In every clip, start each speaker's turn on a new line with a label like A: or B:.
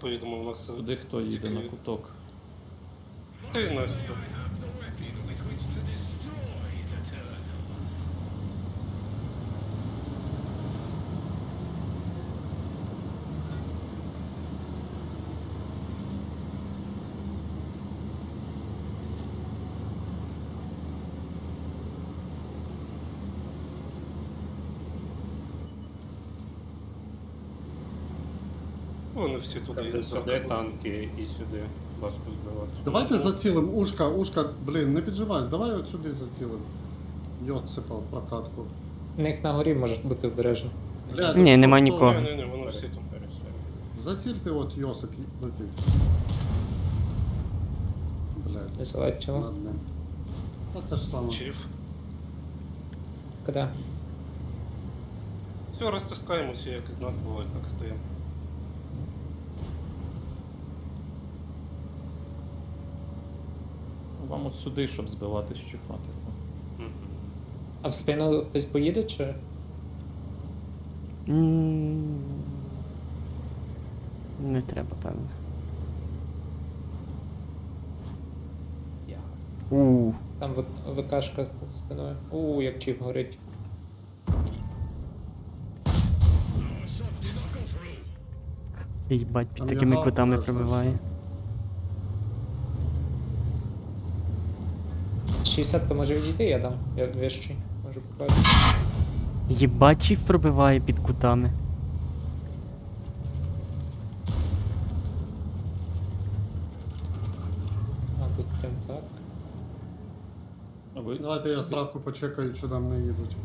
A: поїдемо, у нас...
B: Куди хто їде на куток?
A: Ти, Настя. Вони всі туди йдуть.
C: Сюди танки і сюди важко збивати.
D: Давайте зацілим ушка, блін, не піджимайся, давай от сюди зацілим. Йосипа в прокатку.
E: У них на горі можуть бути обережні.
D: Блядь,
F: Ні, нема
D: то-
F: нікого.
A: Ні, вони всі там.
D: Зацільте от Йосип летить. Блядь,
E: Не заледь його.
D: над ним. Та те ж саме.
A: Чиф.
E: Куди?
A: Все, розтискаємося, як із нас буває, так стоїмо.
B: Вам от сюди, щоб збивати з чифа, типу.
E: А в спину хтось поїде чи?
F: Не треба, певно.
E: Там ВКшка з спиною. Як чіп горить.
F: Їбать, під
D: Там
F: такими
D: яга
F: кутами
D: теж
F: пробиває.
E: 60 то може відійти, я дам. Я вищий. Можу покажу.
F: Їбать, чіф пробиває під кутами.
E: А тут прям так.
B: А ви?
D: Давайте я сраку почекаю, чи нам не їдуть.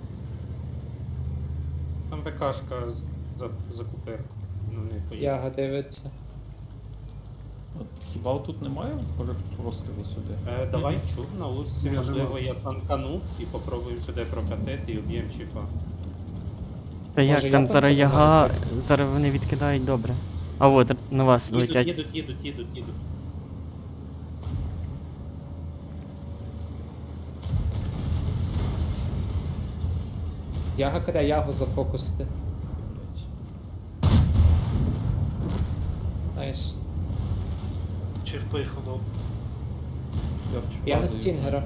C: Там БКшка за куперку. Ну не поїде.
E: Яга дивиться.
B: От хіба тут немає простиву сюди?
C: Давай чув на узці,
D: Ні,
C: можливо,
D: нема.
C: я танкану і попробую сюди прокатити і об'єм чифа.
F: Та як
E: я
F: там
E: там
F: зараз
E: подумав,
F: яга, зараз вони відкидають добре. А от на вас летять.
C: Їдуть.
E: Яга куди ягу зафокусити.
B: Блять.
E: Найс.
A: Чиф поїхав до...
B: Я в чифа
E: Я на
B: даю.
E: стінгера.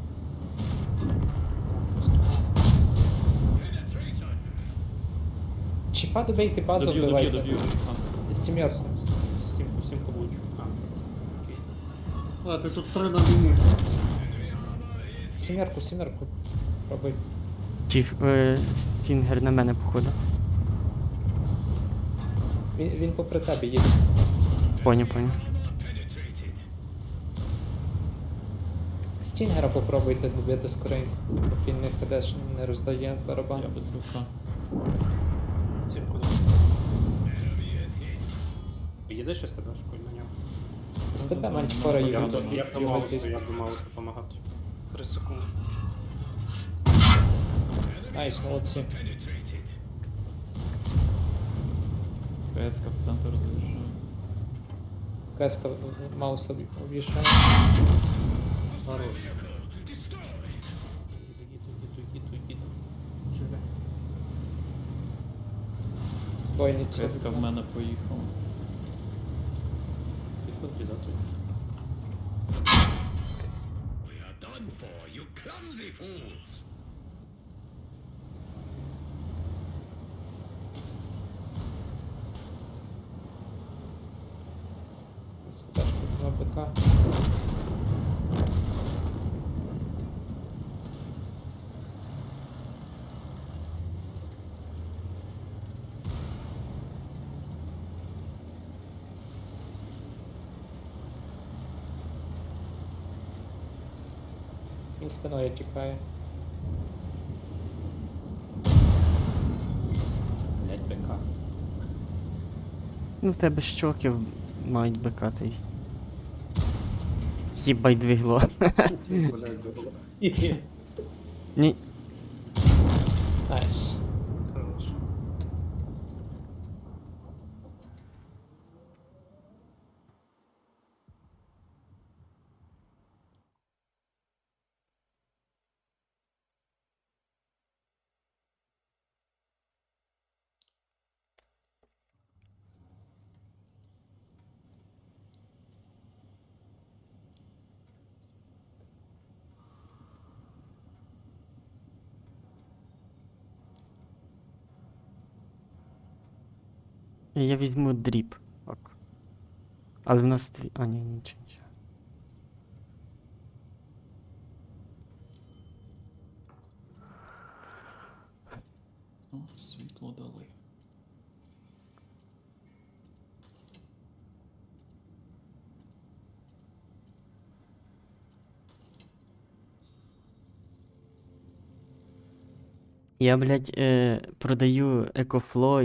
E: Чіпа добейте, базу
B: Доб'ю.
E: вбивайте.
B: А.
E: Сімерку.
C: Сімку влучу. Окей.
D: А, ти тут 3 на лінії.
E: Сімерку. Пробуй.
F: Чіф, стінгер на мене, походу.
E: Він попри тебе їде.
F: Поняв.
E: Стінгера попробуйте добити скоренько. Поки він не ходеш, не роздає барабан.
B: Я без рука.
A: Сімку до...
C: Поїдеш ще з тебе школь на нього?
E: З тебе мантікора
B: Я
E: їде.
B: думаю,
C: Як до
E: Його
C: маусу,
E: з'їсти.
C: як до маусу допомагати.
A: 3 секунди.
E: Найс, молодці.
B: ПСК в центр заїжджає.
E: Кеска Мауса об'їжджає.
D: Хорош.
C: Їду. Живе.
E: Бойниці.
B: ПСК в мене поїхав.
C: Підходь, да, тут.
E: Стежка на БК. Він спиною тікає.
C: Блять, БК.
F: Ну в тебе щоки мають бекати. Їбать двигло.
D: Блядь.
F: Ні.
E: Найс.
A: Хорош.
F: Я візьму дріп. Ок. Але в нас твій. А, ні, нічого.
B: О, світло дали.
F: Я, блядь, продаю екофло